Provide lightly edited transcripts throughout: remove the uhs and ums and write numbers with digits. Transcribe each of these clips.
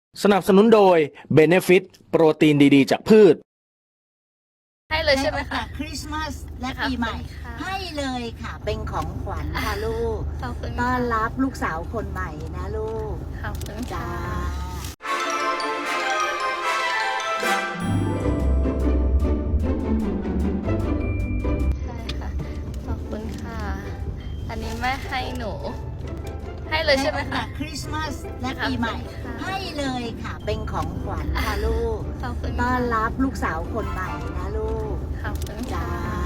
สนับสนุนโดย Benefit โปรตีนดีๆจากพืชให้เลยใช่ไหมคะคริสต์มาสและปีใหม่ให้เลยค่ะเป็นของขวัญค่ะลูกต้อนรับลูกสาวคนใหม่นะลูกขอบคุณจ้าใช่ค่ะขอบคุณค่ะอันนี้แม่ให้หนูให้เลยใช่ไหมคะคริสต์มาสและปีใหม่ให้เลยค่ะเป็นของขวัญค่ะลูกต้อนรับลูกสาวคนใหม่นะลูกขอบคุณจ้า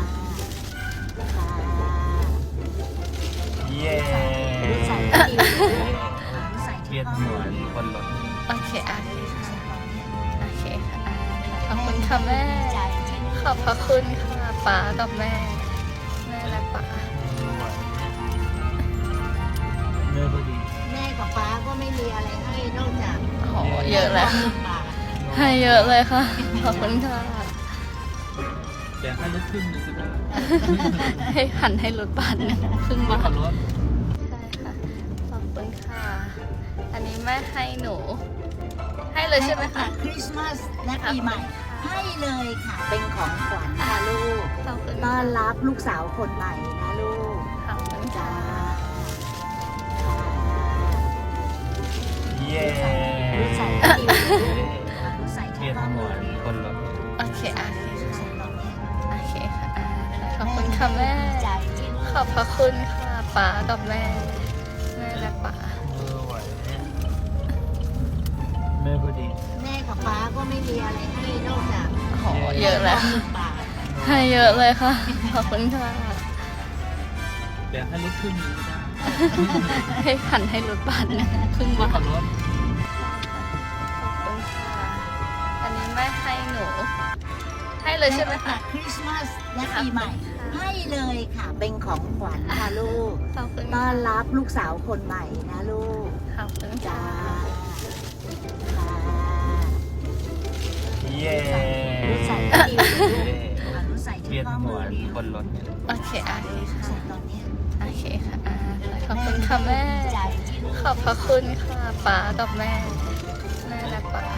เย้ใส่เทียนหัวคนรถโอเคค่ะโอเคค่ะขอบคุณค่ะแม่ขอบพระคุณค่ะป๋ากับแม่และป๋าเนื้อพอดีแม่กับป้าก็ไม่มีอะไรให้นอกจากโหเยอะแล้วให้เยอะเลยค่ะขอบคุณค่ะแต่ให้รถครึ่งนึงก็ได้ให้หันให้รถบาทนึงครึ่งบาทรถใช่ค่ะขอบคุณค่ะอันนี้แม่ให้หนูให้เลยใช่ไหมคะคริสต์มาสและปีใหม่ให้เลยค่ะเป็นของขวัญค่ะลูกต้อนรับลูกสาวคนใหม่นะลูกขอบคุณจ้าเย้ใส่เทียนหัวคนรถโอเคโอเคค่ะขอบคุณค่ะแม่ขอบพระคุณค่ะป๋ากับแม่และป๋าเนื้อพอดีแม่กับป้าก็ไม่มีอะไรให้นอกจากโหเยอะแล้วให้เยอะเลยค่ะขอบคุณค่ะแต่ให้รถครึ่งนึงก็ได้ให้หันให้รถบาทนึงครึ่งบาทรถขอบคุณค่ะอันนี้แม่ให้หนูให้เลยใช่ไหมคะคริสต์มาสและปีใหม่ให้เลยค่ะเป็นของขวัญค่ะลูกต้อนรับลูกสาวคนใหม่นะลูกขอบคุณจ้าเย้ใส่เทียนหัวคนรถโอเคค่ะโอเคค่ะขอบคุณค่ะแม่ขอบพระคุณค่ะป๋ากับแม่และป๋า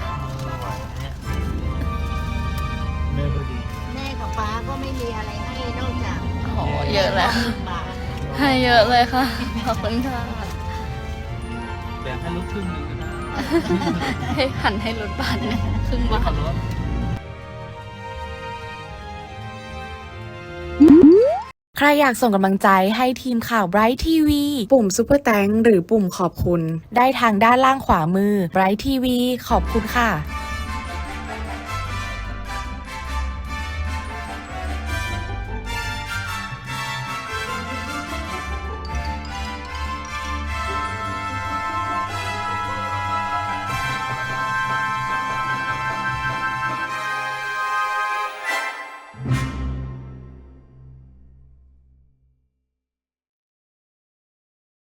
เนื้อพอดีแม่กับป้าก็ไม่มีอะไรให้นอกจากโหเยอะแล้วให้เยอะเลยค่ะขอบคุณค่ะแต่ให้รถครึ่งนึงก็ได้ให้หันให้รถบาทนึงครึ่งบาทรถใครอยากส่งกำลังใจให้ทีมข่าว Bright TV ปุ่ม Super Thanks หรือปุ่มขอบคุณได้ทางด้านล่างขวามือ Bright TV ขอบคุณค่ะ